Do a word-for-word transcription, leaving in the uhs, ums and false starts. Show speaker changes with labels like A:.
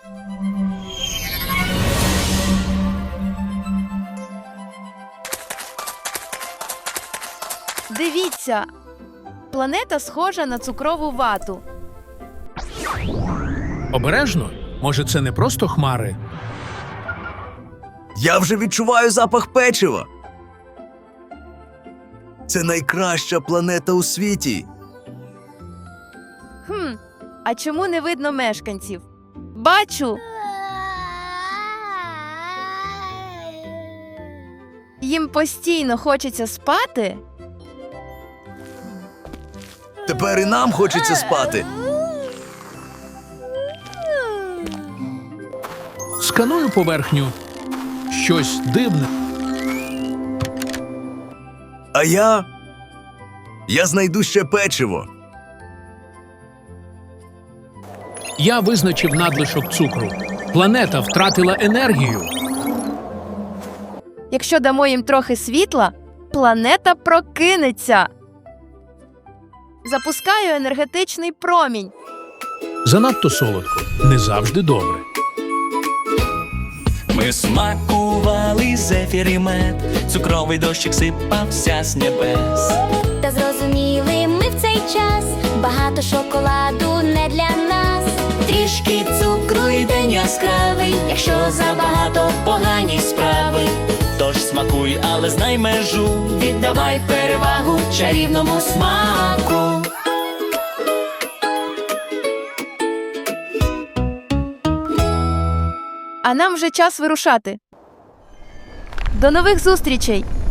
A: Дивіться! Планета схожа на цукрову вату.
B: Обережно. Може, це не просто хмари?
C: Я вже відчуваю запах печива. Це найкраща планета у світі.
A: Хм, а чому не видно мешканців? Бачу! Їм постійно хочеться спати.
C: Тепер і нам хочеться спати.
B: Сканую поверхню. Щось дивне.
C: А я... Я знайду ще печиво.
B: Я визначив надлишок цукру. Планета втратила енергію.
A: Якщо дамо їм трохи світла, планета прокинеться. Запускаю енергетичний промінь.
B: Занадто солодко. Не завжди добре.
D: Ми смакували зефір і мед, цукровий дощик сипався з небес.
E: Та зрозуміли ми в цей час, багато шоколаду не для нас.
D: Трішки цукру і день яскравий, якщо забагато погані справи. Тож смакуй, але знай межу, віддавай перевагу чарівному смаку.
A: А нам вже час вирушати. До нових зустрічей!